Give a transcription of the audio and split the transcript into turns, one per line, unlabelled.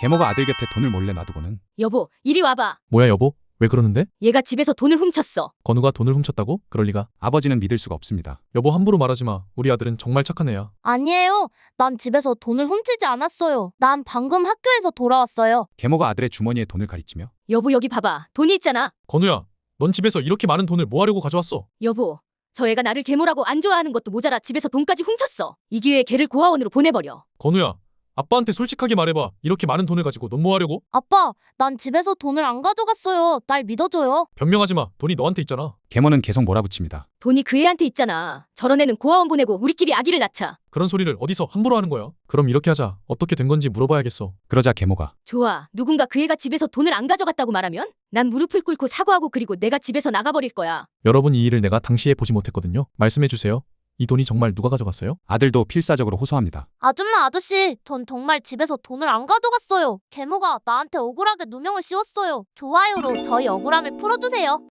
계모가 아들 곁에 돈을 몰래 놔두고는
여보, 이리 와봐.
뭐야 여보? 왜 그러는데?
얘가 집에서 돈을 훔쳤어.
건우가 돈을 훔쳤다고? 그럴 리가.
아버지는 믿을 수가 없습니다.
여보 함부로 말하지 마. 우리 아들은 정말 착한 애야.
아니에요. 난 집에서 돈을 훔치지 않았어요. 난 방금 학교에서 돌아왔어요.
계모가 아들의 주머니에 돈을 가리치며
여보, 여기 봐봐. 돈이 있잖아.
건우야, 넌 집에서 이렇게 많은 돈을 뭐 하려고 가져왔어?
여보, 저 애가 나를 계모라고 안 좋아하는 것도 모자라 집에서 돈까지 훔쳤어. 이 기회에 걔를 고아원으로 보내버려.
건우야, 아빠한테 솔직하게 말해봐. 이렇게 많은 돈을 가지고 넌 뭐 하려고?
아빠, 난 집에서 돈을 안 가져갔어요. 날 믿어줘요.
변명하지 마. 돈이 너한테 있잖아.
계모는 계속 몰아붙입니다.
돈이 그 애한테 있잖아. 저런 애는 고아원 보내고 우리끼리 아기를 낳자.
그런 소리를 어디서 함부로 하는 거야? 그럼 이렇게 하자. 어떻게 된 건지 물어봐야겠어.
그러자 계모가
좋아. 누군가 그 애가 집에서 돈을 안 가져갔다고 말하면 난 무릎을 꿇고 사과하고 그리고 내가 집에서 나가버릴 거야.
여러분 이 일을 내가 당시에 보지 못했거든요. 말씀해 주세요. 이 돈이 정말 누가 가져갔어요?
아들도 필사적으로 호소합니다.
아줌마 아저씨, 전 정말 집에서 돈을 안 가져갔어요. 계모가 나한테 억울하게 누명을 씌웠어요. 좋아요로 저희 억울함을 풀어주세요.